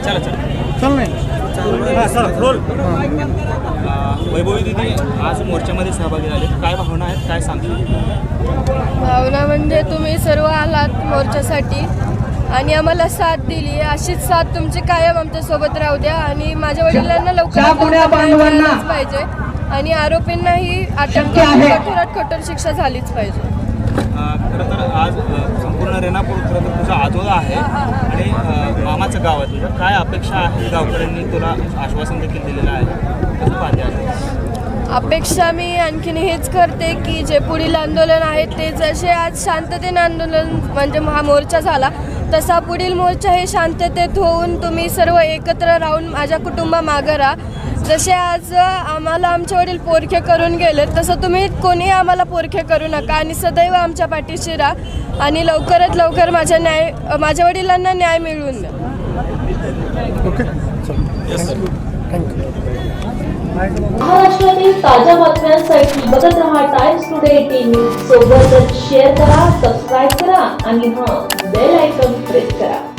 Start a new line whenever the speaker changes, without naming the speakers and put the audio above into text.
चला चला
चल नाही
हां सर रोल वैभवी दिदी आज मोर्चामध्ये सहभागी झाले, काय भावना आहेत, काय सांगतील?
भावना म्हणजे तुम्ही सर्व आलात मोर्चासाठी आणि आम्हाला साथ दिली, अशीच साथ तुमची कायम आमच्यासोबत राहू द्या आणि माझ्या वडिलांना लवकरात लवकर पाहिजे आणि आरोपींनाही अटक कठोरात कठोर शिक्षा झालीच पाहिजे.
खरं तर आज संपूर्ण रेणापूर खरं तर तुझा आजोळा आहे आणि मामाचं गाव आहे तुझं, काय अपेक्षा आहे? गावकऱ्यांनी तुला आश्वासन देखील दिलेलं आहे, कसं पाहते आहे?
अपेक्षा मी आणखीन हेच करते की जे पुढील आंदोलन आहे ते जसे आज शांततेने आंदोलन म्हणजे हा मोर्चा झाला तसा पुढील मोर्चा हे शांततेत होऊन तुम्ही सर्व एकत्र राहून माझ्या कुटुंबामागं राहा. जसे आज आम्हाला आमचे वडील पोरखे करून गेले तसं तुम्ही कोणी आम्हाला पोरखे करू नका आणि सदैव आमच्या पाठीशी राहा आणि लवकरात लवकर माझ्या वडिलांना न्याय मिळवून द्या.
ओके
महाराष्ट्रातील ताज्या बातम्यांसाठी बघत रहा टाइम्स टुडे टीव्ही. सोबतच शेअर करा, सबस्क्राईब करा आणि बेल आयकॉन प्रेस करा.